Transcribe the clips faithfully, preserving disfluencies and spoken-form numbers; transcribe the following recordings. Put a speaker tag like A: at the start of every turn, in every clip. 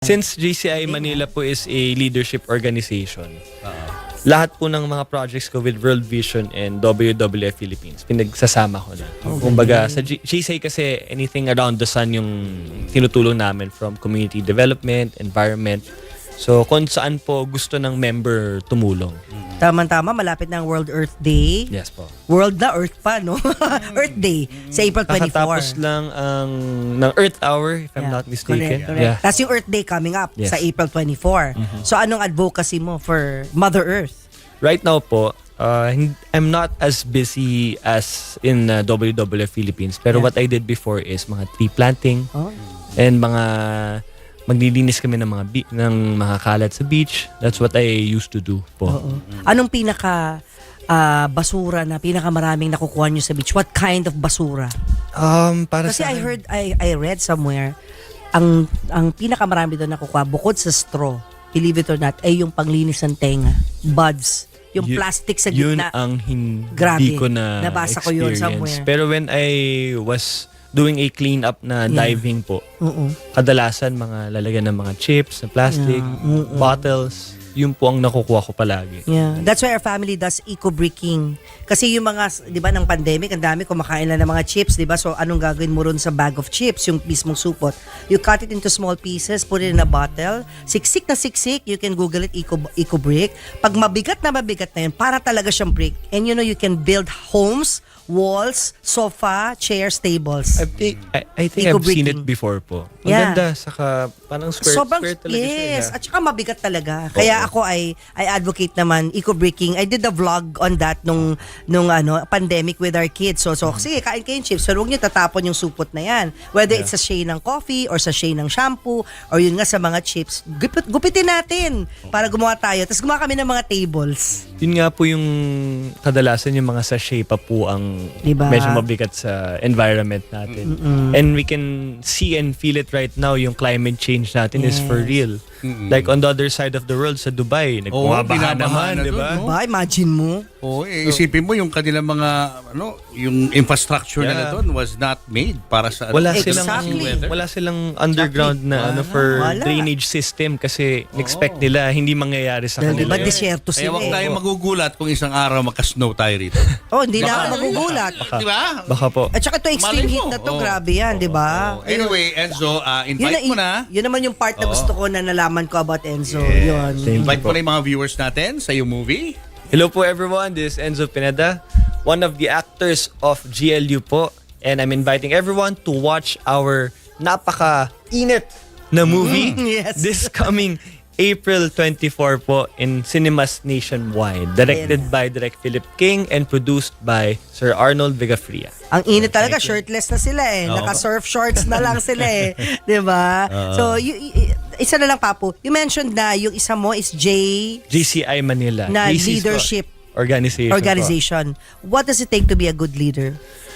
A: Since G C I Manila po is a leadership organization, lahat po ng mga projects ko with World Vision and W W F Philippines, pinagsasama ko na. Kumbaga, sa G- GCI kasi anything around the sun yung tinutulong namin, from community development, environment. So, kung saan po gusto ng member tumulong.
B: Tama-tama, malapit na ang World Earth Day.
A: Yes po.
B: World na Earth pa, no? Earth Day sa April twenty-four.
A: Kakatapos lang ang ng Earth Hour, if I'm
B: Yeah.
A: not mistaken.
B: Correct, correct.
A: Yeah.
B: Tapos yung Earth Day coming up
A: Yes.
B: sa April twenty-four. So anong advocacy mo for Mother Earth?
A: Right now po, uh, hin- I'm not as busy as in uh, W W F Philippines. Pero
B: Yeah.
A: what I did before is mga tree planting
B: Oh.
A: and mga maglilinis kami ng mga bi- ng mga kalat sa beach. That's what I used to do po.
B: Oo. Anong pinaka ah, basura na pinakamaraming nakukuha nyo sa beach? What kind of basura?
A: Um, para
B: Kasi
A: sa
B: I
A: akin-
B: heard, I, I read somewhere, ang ang pinakamarami doon nakukuha, bukod sa straw, believe it or not, ay yung panglinis ng tenga. Buds. Yung
A: Yu-
B: plastic sa
A: Yun
B: gitna.
A: ang hindi
B: Grabe.
A: ko na
B: Nabasa ko yun
A: experience.
B: somewhere.
A: Pero when I was doing a clean-up na
B: Yeah.
A: diving po,
B: Oo.
A: kadalasan mga lalagyan ng mga chips, na plastic,
B: Yeah. Mm-mm.
A: bottles, yun po ang nakukuha ko palagi.
B: Yeah. That's why our family does eco-bricking. Kasi yung mga, di ba, ng pandemic, ang dami kumakain lang ng mga chips, di ba? So, anong gagawin mo ron sa bag of chips, yung mismong supot? You cut it into small pieces, put it in a bottle, siksik na siksik, you can Google it, eco, eco-brick. Pag mabigat na mabigat na yun, para talaga siyang brick. And you know, you can build homes, walls, sofa, chairs, tables.
A: I think, I, I think I've seen it
B: Eco-bricking.
A: before po. Ang
B: Yeah.
A: ganda, saka parang square,
B: Sobrang,
A: square talaga siya.
B: yes,
A: yeah.
B: at saka mabigat talaga. Kaya ako ay I advocate naman eco-bricking. I did a vlog on that nung nung ano pandemic with our kids. So so sige, kain kayo yung chips. So huwag niyo tatapon yung supot na yan. Whether
A: Yeah.
B: it's sa sachet ng coffee or sa sachet ng shampoo or yun nga sa mga chips, gupit, gupitin natin para gumawa tayo. Tapos gumawa kami ng mga tables.
A: Yun nga po yung kadalasan yung mga sachet pa po ang
B: Diba?
A: medyo mabigat sa environment natin. And we can see and feel it right now, yung climate change natin is for
B: Yes.
A: real. Like on the other side of the world, sa Dubai, nagbumabaha
C: binabaha
A: naman,
C: na
A: di ba?
C: dun, no?
B: Diba? Imagine mo.
C: Oo, eh, isipin mo yung kanilang mga ano, yung infrastructure
A: Yeah.
C: nila doon was not made para sa
A: Wala
B: Exactly.
A: silang wala silang underground na ano for
B: Wala.
A: drainage system kasi expect nila hindi mangyayari sa
B: Dahil
A: kanila.
B: diba
A: yun.
B: desierto
C: Kaya
B: sila
C: wag
B: eh.
C: tayo magugulat kung isang araw magka-snow tayo rito.
B: Oh, hindi na ako magugulat.
C: Di ba?
A: Baka po.
B: At saka ito extreme
C: Malay
B: heat
C: mo.
B: na to,
C: Oh.
B: grabe yan, di ba?
C: Oh, anyway, Enzo, uh,
B: Yun,
C: invite
B: na,
C: mo na.
B: yun naman yung part na
C: Oo.
B: gusto ko na nalaman ko about Enzo.
C: Yes.
B: Yun.
A: Thank you
C: Invite mo
A: po.
C: na yung mga viewers natin sa yung movie.
A: Hello po everyone, this is Enzo Pineda, one of the actors of G L U po, and I'm inviting everyone to watch our napaka-init na movie
B: Yes.
A: this coming April twenty-fourth po in cinemas nationwide, directed
B: Ayan.
A: by Direk Philip King and produced by Sir Arnold Vigafria.
B: Ang init talaga, shirtless na sila eh.
C: Oo.
B: Naka-surf shorts na lang sila eh. Di ba? So, y- y- isa na lang, Papu. You mentioned na yung isa mo is J
A: G C I Manila.
B: na
A: G C po,
B: leadership
A: organization. po.
B: organization. What does it take to be a good leader?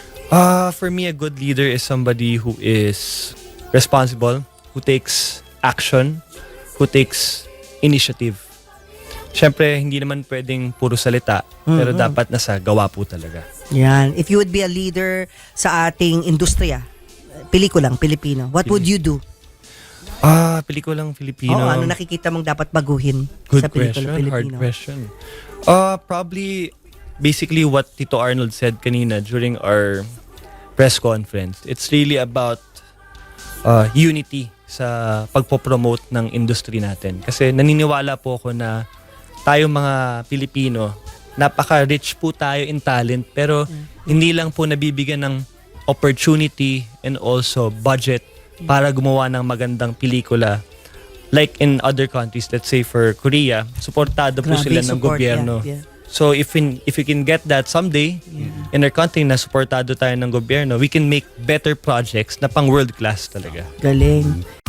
A: Uh, for me, a good leader is somebody who is responsible, who takes action, who takes initiative. Siyempre, hindi naman pwedeng puro salita, pero dapat nasa gawa po talaga.
B: Yan. If you would be a leader sa ating industriya, pelikulang Pilipino, what would you do?
A: Ah, pelikulang Filipino.
B: Oo, ano nakikita mong dapat baguhin
A: Good
B: sa pelikula
A: question, hard
B: Pilipino?
A: question. Uh, probably, basically what Tito Arnold said kanina during our press conference. It's really about uh, unity sa pagpopromote ng industry natin. Kasi naniniwala po ako na tayo mga Pilipino, napaka-rich po tayo in talent, pero hindi lang po nabibigyan ng opportunity and also budget para gumawa ng magandang pelikula. Like in other countries, let's say for Korea, suportado po
B: Grabe
A: sila ng
B: support,
A: gobyerno.
B: yeah, yeah.
A: So if in, if we can get that someday in our country na suportado tayo ng gobyerno, we can make better projects na pang world class talaga.
B: Galing.